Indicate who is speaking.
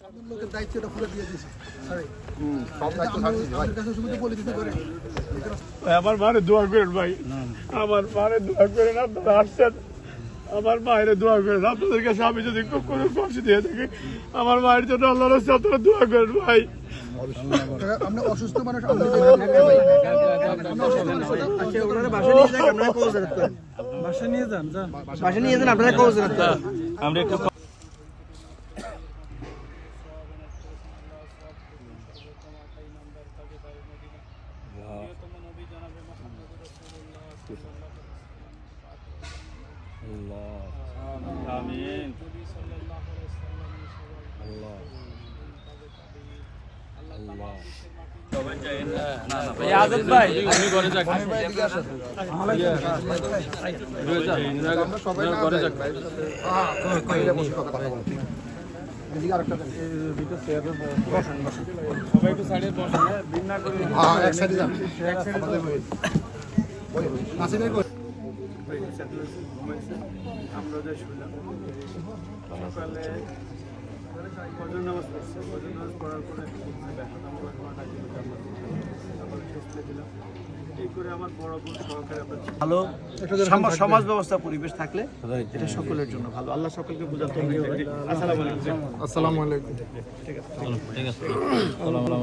Speaker 1: লোকের দায়িত্বটা পুরো দিয়ে দিয়েছে
Speaker 2: সব দায়িত্ব থাকছে ভাই।
Speaker 3: আমার মারে দোয়া করেন ভাই, আমার মারে দোয়া করেন, আপনারা আসছেন আমার মায়ের দোয়া করেন। আপনাদের কাছে আমি যদি কোনো কষ্ট দিয়ে থাকি আমার মায়ের জন্য আল্লাহর রাস্তায় আপনারা দোয়া করেন ভাই।
Speaker 1: আমরা অসুস্থ মানুষ
Speaker 4: বাসা নিয়ে যান আপনারা কৌজরাত করেন। আমরা একটু
Speaker 3: আমিন।
Speaker 4: আজাদ ভাই
Speaker 2: আমরা সবাই না
Speaker 4: ঘরে যাক।
Speaker 2: ভাই। বাইরে বসে কথা বলবো। এদিকে আরেকটা দেন।
Speaker 4: সবাই একটু সাইডে বসেন, বিন্না করে
Speaker 2: হ্যাঁ, এক সাইডে যান। আমাদের ওই নাসিমের কই?
Speaker 3: আমরা যে শুনলাম সকালে ফজর নামাজ পড়ছে, ফজর নামাজ পড়ার পরে এই করে আমার বড় বোন সহকারে
Speaker 4: ভালো সমাজ ব্যবস্থা পরিবেশ থাকলে এটা সকলের জন্য ভালো। আল্লাহ সকলকে বুঝাতে হবে। আসসালামু আলাইকুম।
Speaker 2: আসসালামু আলাইকুম।
Speaker 4: ঠিক আছে।